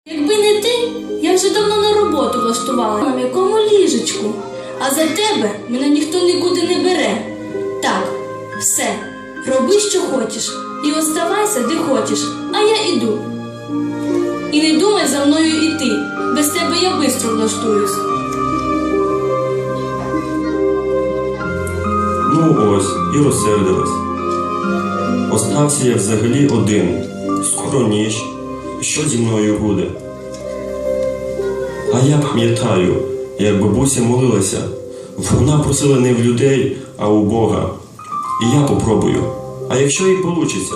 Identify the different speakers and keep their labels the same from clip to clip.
Speaker 1: Якби не ти, я вже давно на роботу влаштувала на м'якому ліжечку, а за тебе мене ніхто нікуди не бере. Так, все, роби, що хочеш, і оставайся, де хочеш, а я іду. І не думай за мною іти, без тебе я бистро влаштуюсь.
Speaker 2: Ну ось, і розсердилась. Остався я взагалі один. Скоро ніч. Що зі мною буде? А я пам'ятаю, як бабуся молилася. Вона просила не в людей, а у Бога. І я попробую. А якщо і получиться?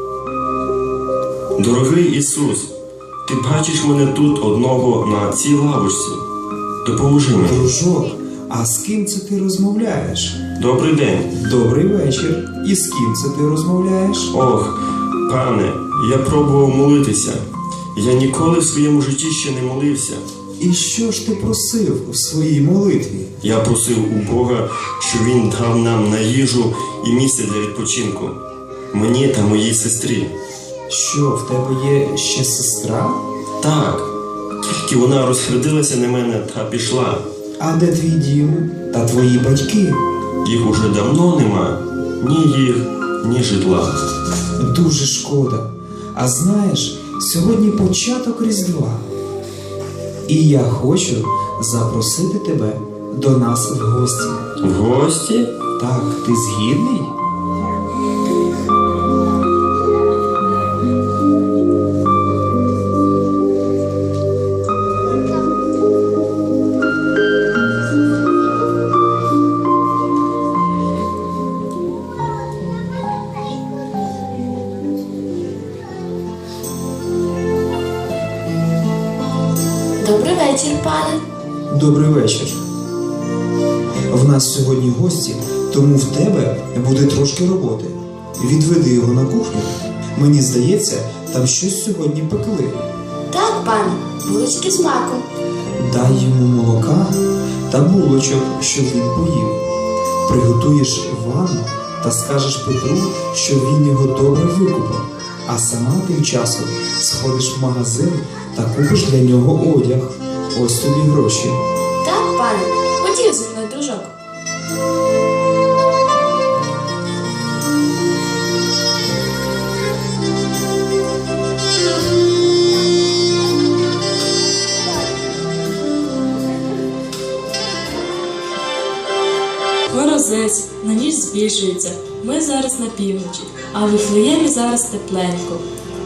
Speaker 2: Дорогий Ісус, ти бачиш мене тут одного на цій лавочці. Допоможи мені.
Speaker 3: Дружок, а з ким це ти розмовляєш?
Speaker 2: Добрий день.
Speaker 3: Добрий вечір. І з ким це ти розмовляєш?
Speaker 2: Ох, пане, я пробував молитися. Я ніколи в своєму житті ще не молився.
Speaker 3: І що ж ти просив у своїй молитві?
Speaker 2: Я просив у Бога, щоб Він дав нам на їжу і місце для відпочинку. Мені та моїй сестрі.
Speaker 3: Що, в тебе є ще сестра?
Speaker 2: Так, тільки вона розсердилася на мене та пішла.
Speaker 3: А де твій дім та твої батьки?
Speaker 2: Їх уже давно нема. Ні їх, ні житла.
Speaker 3: Дуже шкода. А знаєш, сьогодні початок Різдва. І я хочу запросити тебе до нас в гості.
Speaker 2: В гості?
Speaker 3: Так, ти згідний?
Speaker 1: Добрий вечір, пане.
Speaker 3: Добрий вечір. В нас сьогодні гості, тому в тебе буде трошки роботи. Відведи його на кухню. Мені здається, там щось сьогодні пекли.
Speaker 1: Так, пане, булочки з маком.
Speaker 3: Дай йому молока та булочок, щоб він поїв. Приготуєш ванну та скажеш Петру, що він його добре викупав. А сама тим часом сходиш в магазин та купиш для нього одяг. Ось тобі гроші.
Speaker 1: Так, пане, ходів зі мною, дружок.
Speaker 4: Морозець, на ніч збільшується. Ми зараз на півночі, а в Вифлеємі зараз тепленько.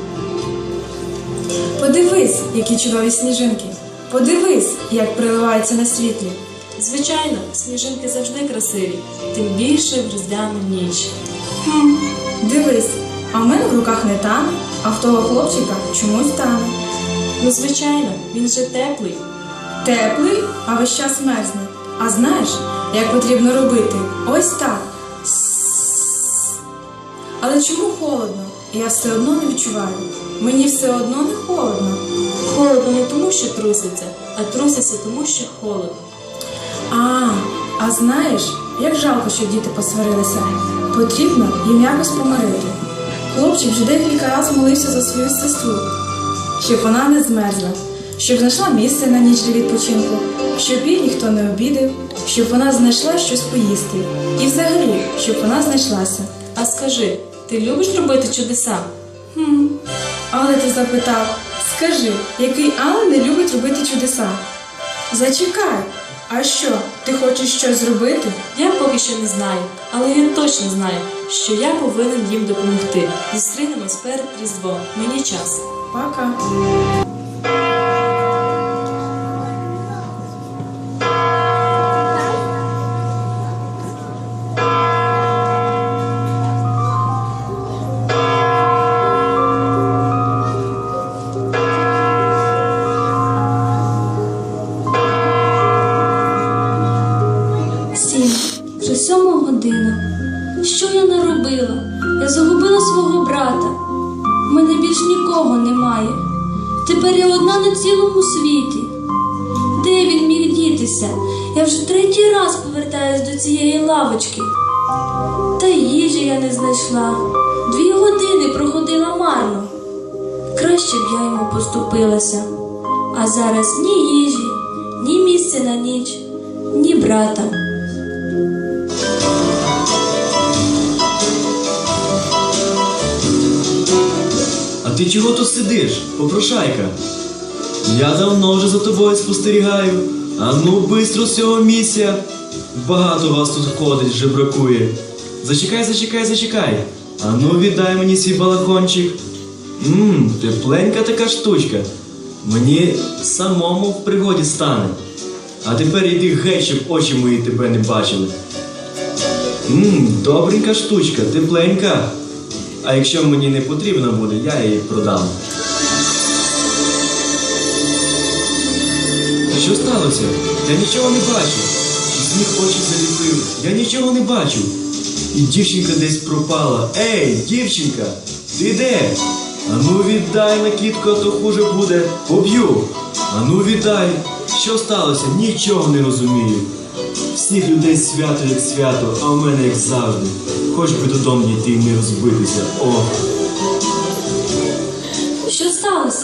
Speaker 5: Подивись, які чудові сніжинки. Подивись, як приливаються на світлі.
Speaker 4: Звичайно, сніжинки завжди красиві, тим більше в різдвяну ніч.
Speaker 5: Дивись, а в мене в руках не тане, а в того хлопчика чомусь тане.
Speaker 4: Ну, звичайно, він же теплий.
Speaker 5: Теплий, а весь час мерзне. А знаєш, як потрібно робити? Ось так. Але чому холодно? Я все одно не відчуваю. Мені все одно не холодно.
Speaker 4: Холодно не тому, що труситься, а труситься тому, що холодно.
Speaker 5: А знаєш, як жалко, що діти посварилися. Потрібно їм якось помирити. Хлопчик вже декілька разів молився за свою сестру, щоб вона не змерзла, щоб знайшла місце на ніч для відпочинку, щоб її ніхто не обідав, щоб вона знайшла щось поїсти. І взагалі, щоб вона знайшлася.
Speaker 4: А скажи, ти любиш робити чудеса?
Speaker 5: Але ти запитав, скажи, який ангел не любить робити чудеса? Зачекай, а що, ти хочеш щось зробити?
Speaker 4: Я поки що не знаю, але він точно знає, що я повинен їм допомогти. Зустрінемось перед Різдвом. Мені час.
Speaker 5: Пока.
Speaker 1: Вже 7 година. Що я наробила? Я загубила свого брата. У мене більш нікого немає. Тепер я одна на цілому світі. Де він міг дітися? Я вже 3-й раз повертаюсь до цієї лавочки. Та їжі я не знайшла. 2 години проходила марно. Краще б я йому поступилася. А зараз ні їжі, ні місця на ніч, ні брата.
Speaker 6: А ти чого тут сидиш, попрошайка? Я давно вже за тобою спостерігаю. А ну, бистро з цього місця. Багато вас тут ходить, жебракує. Зачекай. А ну, віддай мені свій балахончик. Тепленька така штучка. Мені самому в пригоді стане. А тепер іди геть, щоб очі мої тебе не бачили. Добренька штучка, тепленька. А якщо мені не потрібно буде, я її продам. Що сталося? Я нічого не бачу. Сніг очі заліпив. Я нічого не бачу. І дівчинка десь пропала. Ей, дівчинка, ти де? Ану віддай накидку, а то хуже буде. Поб'ю. Ану віддай. Що сталося? Нічого не розумію. Всіх людей свято, як свято, а в мене як завжди. Хоч би додому дійти і не розбитися. Ох.
Speaker 1: Що сталося?